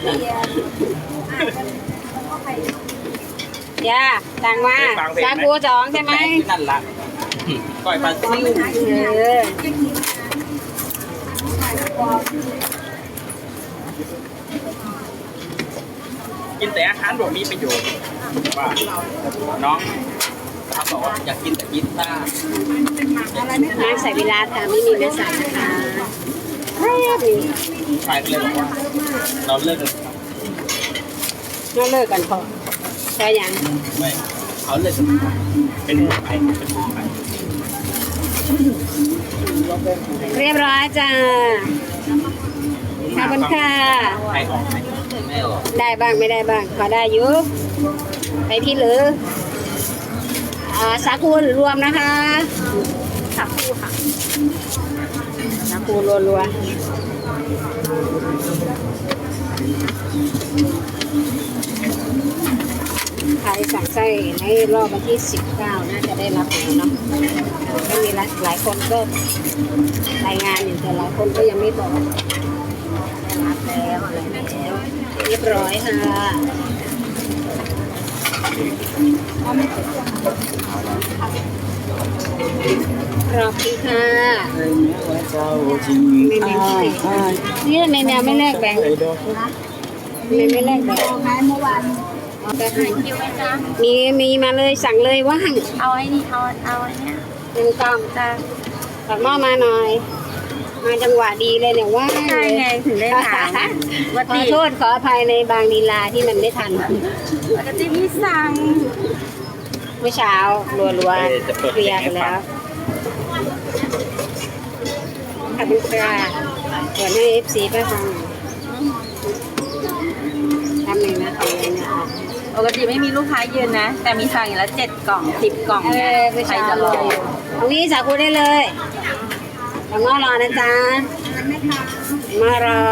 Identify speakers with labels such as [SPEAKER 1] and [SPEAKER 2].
[SPEAKER 1] ย่าสั่งมาซากู2ใช่ไหม
[SPEAKER 2] นั่นละก้อยปลาซิวกินแต่อาหารแบบมีประโยชน์ว่าน้องเขาบอกว่าอยากกินแต่พิซซ่า
[SPEAKER 1] น้ำใส่เวลาค่ะไม่มีเนื้อสัตว์นะคะ
[SPEAKER 2] ชายก็เลยบอกว่าเราเลิกกัน
[SPEAKER 1] เราเลิกกันพอใช่ยัง
[SPEAKER 2] ไม่เขาเลิกกันเป็นไปเป็นไป
[SPEAKER 1] เรียบร้อยจ้าขอบคุณค่ะ
[SPEAKER 2] ใครออกไหมไม่ออก
[SPEAKER 1] ได้บ้างไม่ได้บ้างพอได้อยู่ไปที่หรือสาคูรวมนะคะสาคูค่ะสาคูรัวๆใครสั่งไส้ในรอบวันที่19น่าจะได้รับแล้วเนาะก็มีหลายคนก็รายงานอยู่แต่หลายคนก็ยังไม่บอกได้รับแล้วอะไรแล้วเรียบร้อยค่ะขอบคุณค่ะนี่ในแนวไม่แลกแบงค์ไม่แลกแบงค์เมื่อวานมีมาเลยสั่งเลยว่าง
[SPEAKER 3] เอาไอ้นี่เอาไอ้นี่
[SPEAKER 1] 1 กล่องจ้าตักหม้อมาหน่อยมาจังหวะดีเลยเนี่ยว่า
[SPEAKER 3] ใช่ไงถึงได้ถาม
[SPEAKER 1] ขอโทษขออภัยในบางลีลาที่มันไม่ทัน
[SPEAKER 3] ปกติพี่สั่ง
[SPEAKER 1] เมื่อเช้ารัวๆเคลียร์ไปแล้วขอบคุณค่ะเดี๋ยวให้ FC ไปฟังทำหนึ่งนะคะ
[SPEAKER 3] ปกติไม่มีลูกค้ายืนนะแต่มีสั่งอย่างละ7 กล่อง10 กล่องเนี่ย
[SPEAKER 1] ใครจะรอตรงนี้สาคูได้เลยต้องรอนะจ๊ะมารอ